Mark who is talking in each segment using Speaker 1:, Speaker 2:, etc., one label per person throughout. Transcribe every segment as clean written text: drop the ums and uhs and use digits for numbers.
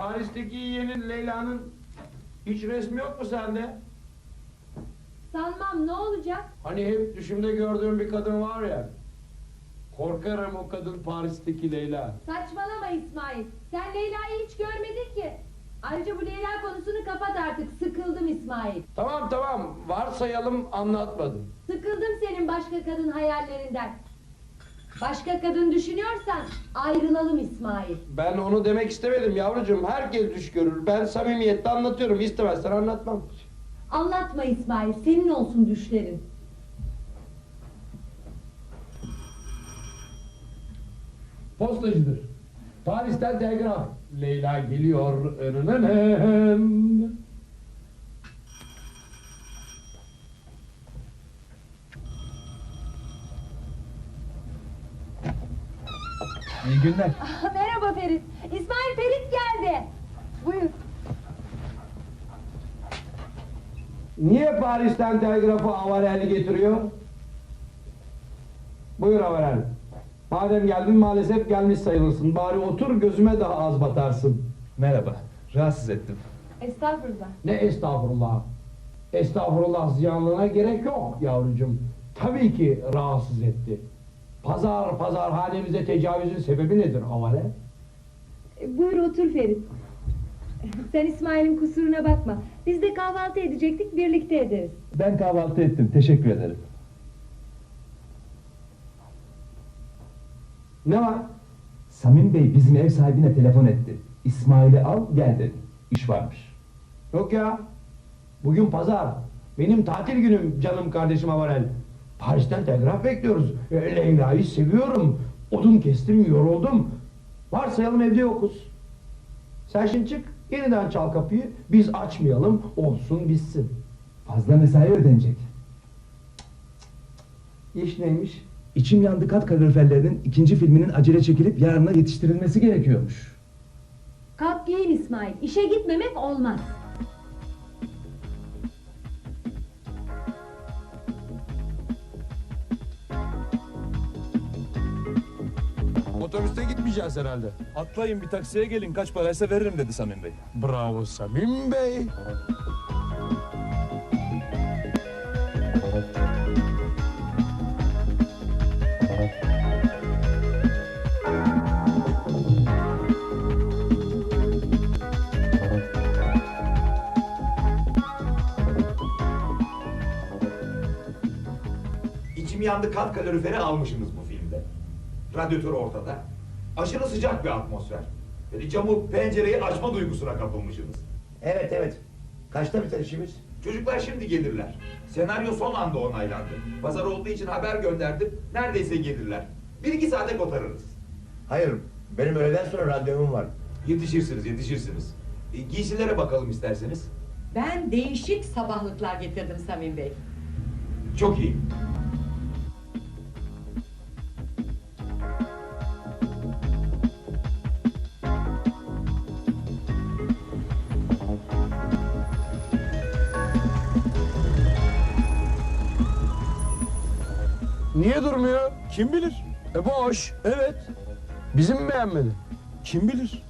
Speaker 1: Paris'teki yeğenin Leyla'nın hiç resmi yok mu sende?
Speaker 2: Sanmam, ne olacak?
Speaker 1: Hani hep düşümde gördüğüm bir kadın var ya. Korkarım o kadın Paris'teki Leyla.
Speaker 2: Saçmalama İsmail. Sen Leyla'yı hiç görmedin ki. Ayrıca bu Leyla konusunu kapat artık. Sıkıldım İsmail.
Speaker 1: Tamam, varsayalım anlatmadım.
Speaker 2: Sıkıldım senin başka kadın hayallerinden. Başka kadın düşünüyorsan ayrılalım İsmail.
Speaker 1: Ben onu demek istemedim yavrucuğum. Herkes düş görür. Ben samimiyetle anlatıyorum. İstemezsen anlatmam.
Speaker 2: Anlatma İsmail. Senin olsun düşlerin.
Speaker 1: Postacıdır. Paris'ten telgraf. Leyla geliyor. Önüne.
Speaker 3: İyi günler.
Speaker 2: Merhaba Ferit. İsmail, Ferit geldi. Buyur.
Speaker 1: Niye Paris'ten telgrafı Avarel getiriyor? Buyur Avarel. Madem geldin maalesef gelmiş sayılırsın. Bari otur gözüme daha az batarsın.
Speaker 3: Merhaba. Rahatsız ettim.
Speaker 2: Estağfurullah.
Speaker 1: Ne estağfurullah. Estağfurullah ziyanlığına gerek yok yavrucuğum. Tabii ki rahatsız etti. Pazar hanemize tecavüzün sebebi nedir Avarel?
Speaker 2: Buyur otur Ferit. Sen İsmail'in kusuruna bakma. Biz de kahvaltı edecektik, birlikte ederiz.
Speaker 3: Ben kahvaltı ettim. Teşekkür ederim.
Speaker 1: Ne var?
Speaker 3: Samim Bey bizim ev sahibine telefon etti. İsmail'i al gel dedi. İş varmış.
Speaker 1: Yok ya. Bugün pazar. Benim tatil günüm canım kardeşim Avarel. Paris'ten telgraf bekliyoruz. Leyla'yı seviyorum. Odun kestim, yoruldum. Varsayalım evde yokuz. Sen şimdi çık, yeniden çal kapıyı. Biz açmayalım, olsun bitsin.
Speaker 3: Fazla mesai ödenecek.
Speaker 1: İş neymiş?
Speaker 3: İçim yandı kat kaloriferlerinin ikinci filminin acele çekilip yarına yetiştirilmesi gerekiyormuş.
Speaker 2: Kalk giyin İsmail. İşe gitmemek olmaz.
Speaker 1: Otobüste gitmeyeceğiz herhalde.
Speaker 4: Atlayın bir taksiye gelin, kaç paraysa veririm dedi Samim Bey.
Speaker 1: Bravo Samim Bey.
Speaker 5: İçim yandı kat kaloriferi almışsınız bu filmde. Radyatör ortada. Aşırı sıcak bir atmosfer. Yani camı, pencereyi açma duygusuna kapılmışsınız.
Speaker 6: Evet. Kaçta biter işimiz?
Speaker 5: Çocuklar şimdi gelirler. Senaryo son anda onaylandı. Pazar olduğu için haber gönderdim. Neredeyse gelirler. 1-2 saate kotarırız.
Speaker 6: Hayır, benim öğleden sonra randevum var.
Speaker 5: Yetişirsiniz. Giysilere bakalım isterseniz.
Speaker 7: Ben değişik sabahlıklar getirdim Samim Bey.
Speaker 5: Çok iyi.
Speaker 1: Niye durmuyor?
Speaker 4: Kim bilir?
Speaker 1: Boş.
Speaker 4: Evet.
Speaker 1: Bizim mi beğenmedi?
Speaker 4: Kim bilir?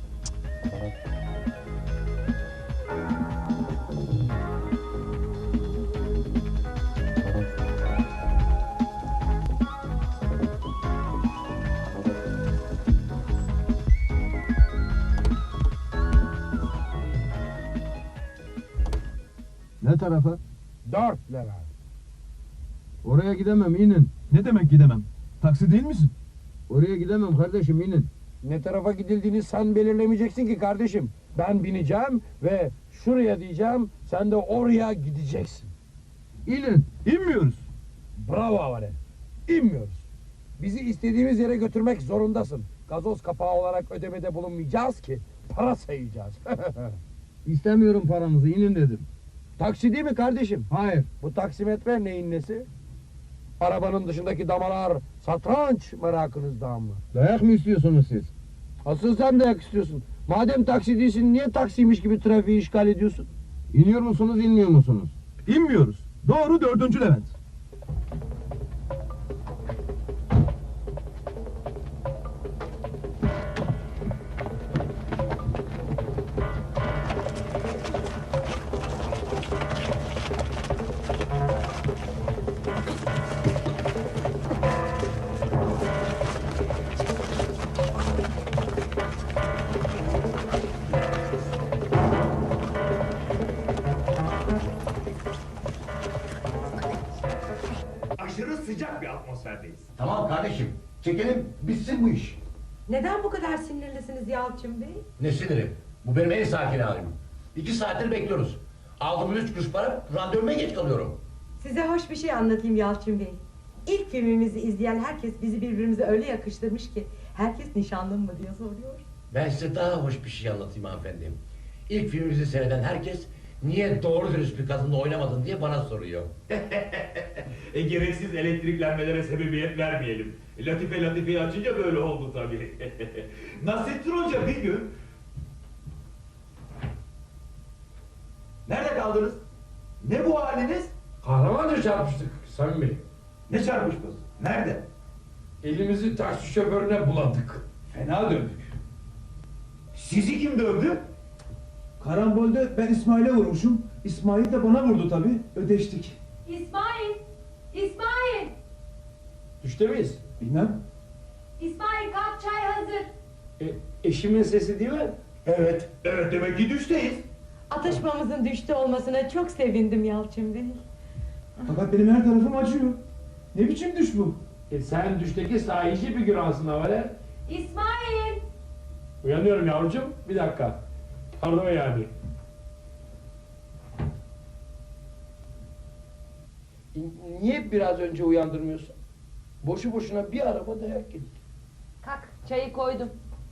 Speaker 3: Ne tarafa?
Speaker 1: 4 lira. Oraya gidemem inin.
Speaker 4: Ne demek gidemem? Taksi değil misin?
Speaker 1: Oraya gidemem kardeşim inin. Ne tarafa gidildiğini sen belirlemeyeceksin ki kardeşim. Ben bineceğim ve şuraya diyeceğim, sen de oraya gideceksin. İnin.
Speaker 4: İnmiyoruz.
Speaker 1: Bravo Avare. İnmiyoruz. Bizi istediğimiz yere götürmek zorundasın. Gazoz kapağı olarak ödemede bulunmayacağız ki para sayacağız.
Speaker 8: İstemiyorum paranızı, inin dedim.
Speaker 1: Taksi değil mi kardeşim?
Speaker 8: Hayır.
Speaker 1: Bu taksimetre neyin nesi? Arabanın dışındaki damalar satranç merakınızdan mı?
Speaker 8: Dayak mı istiyorsunuz siz?
Speaker 1: Asıl sen dayak istiyorsun. Madem taksi değilsin niye taksiymiş gibi trafiği işgal ediyorsun?
Speaker 8: İniyor musunuz, inmiyor musunuz?
Speaker 4: İnmiyoruz. Doğru 4. Levent.
Speaker 5: sıcak bir atmosferdeyiz.
Speaker 6: Tamam kardeşim. Çekelim bitsin bu iş.
Speaker 7: Neden bu kadar sinirlisiniz Yalçın Bey?
Speaker 6: Ne siniri? Bu benim en sakin halim. 2 saattir bekliyoruz. Aldığım 3 kuruş para randevuma geç kalıyorum.
Speaker 7: Size hoş bir şey anlatayım Yalçın Bey. İlk filmimizi izleyen herkes bizi birbirimize öyle yakıştırmış ki herkes nişanlım mı diye soruyor.
Speaker 6: Ben size daha hoş bir şey anlatayım hanımefendi. İlk filmimizi seyreden herkes niye doğru dürüst bir kadınla oynamadın diye bana soruyor.
Speaker 5: Gereksiz elektriklenmelere sebebiyet vermeyelim. Latife'yi açınca böyle oldu tabii. Nasrettin Hoca bir gün... Nerede kaldınız? Ne bu haliniz?
Speaker 1: Kahramanca çarpıştık Samim Bey.
Speaker 5: Ne çarpışması? Nerede?
Speaker 1: Elimizi taksi şoförüne buladık.
Speaker 5: Fena döndük. Sizi kim dövdü?
Speaker 9: Karambolde ben İsmail'e vurmuşum. İsmail de bana vurdu tabii. Ödeştik.
Speaker 2: İsmail! İsmail!
Speaker 1: Düşte miyiz?
Speaker 9: Bilmem.
Speaker 2: İsmail kalk, çay hazır.
Speaker 1: Eşimin sesi değil mi?
Speaker 5: Evet. Evet, demek ki düşteyiz.
Speaker 7: Atışmamızın düştü olmasına çok sevindim Yalçın Bey.
Speaker 9: Fakat benim her tarafım acıyor. Ne biçim düş bu?
Speaker 1: Sen düşteki sahici figüransın Havaler.
Speaker 2: İsmail!
Speaker 1: Uyanıyorum yavrucuğum. Bir dakika. Pardon yani. Niye biraz önce uyandırmıyorsun? Boşu boşuna bir araba dayak yedik.
Speaker 2: Kalk, çayı koydum.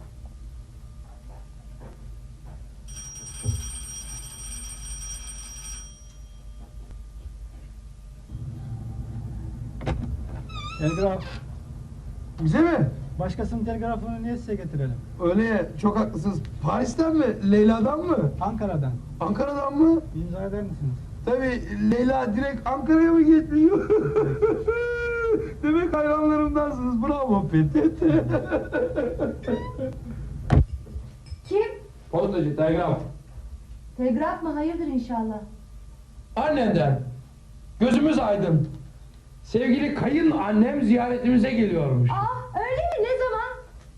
Speaker 8: Telgraf.
Speaker 9: Bize mi?
Speaker 8: Başkasının telgrafını niye size getirelim?
Speaker 9: Öyle ya, çok haklısınız. Paris'ten mi? Leyla'dan mı?
Speaker 8: Ankara'dan.
Speaker 9: Ankara'dan mı?
Speaker 8: İmza eder misiniz?
Speaker 9: Tabii Leyla direkt Ankara'ya mı getiriyor? Demek hayranlarımdansınız. Bravo Petit.
Speaker 2: Kim?
Speaker 1: Postacı, telgraf.
Speaker 2: Telgraf mı? Hayırdır inşallah.
Speaker 1: Annenden. Gözümüz aydın. Sevgili kayın annem ziyaretimize geliyormuş.
Speaker 2: Öyle mi? Ne zaman?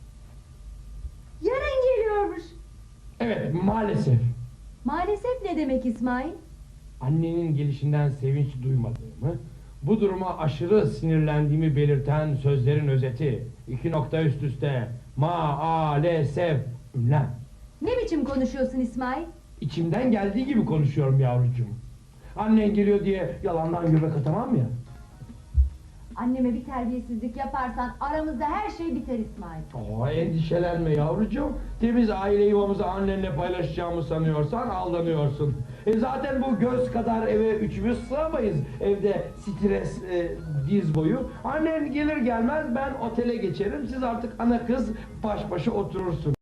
Speaker 2: Yarın geliyormuş.
Speaker 1: Evet, maalesef.
Speaker 2: Maalesef ne demek İsmail?
Speaker 1: Annenin gelişinden sevinç duymadığımı, bu duruma aşırı sinirlendiğimi belirten sözlerin özeti. 2 nokta üst üste. Maalesef. Ünlem.
Speaker 2: Ne biçim konuşuyorsun İsmail?
Speaker 1: İçimden geldiği gibi konuşuyorum yavrucuğum. Annen geliyor diye yalandan göbek atamam ya.
Speaker 2: Anneme bir terbiyesizlik yaparsan aramızda her şey biter İsmail.
Speaker 1: Endişelenme yavrucuğum. Temiz aile yuvamızı annenle paylaşacağımı sanıyorsan aldanıyorsun. Zaten bu göz kadar eve üçümüz sığamayız. Evde stres diz boyu. Annen gelir gelmez ben otele geçerim. Siz artık ana kız baş başa oturursun.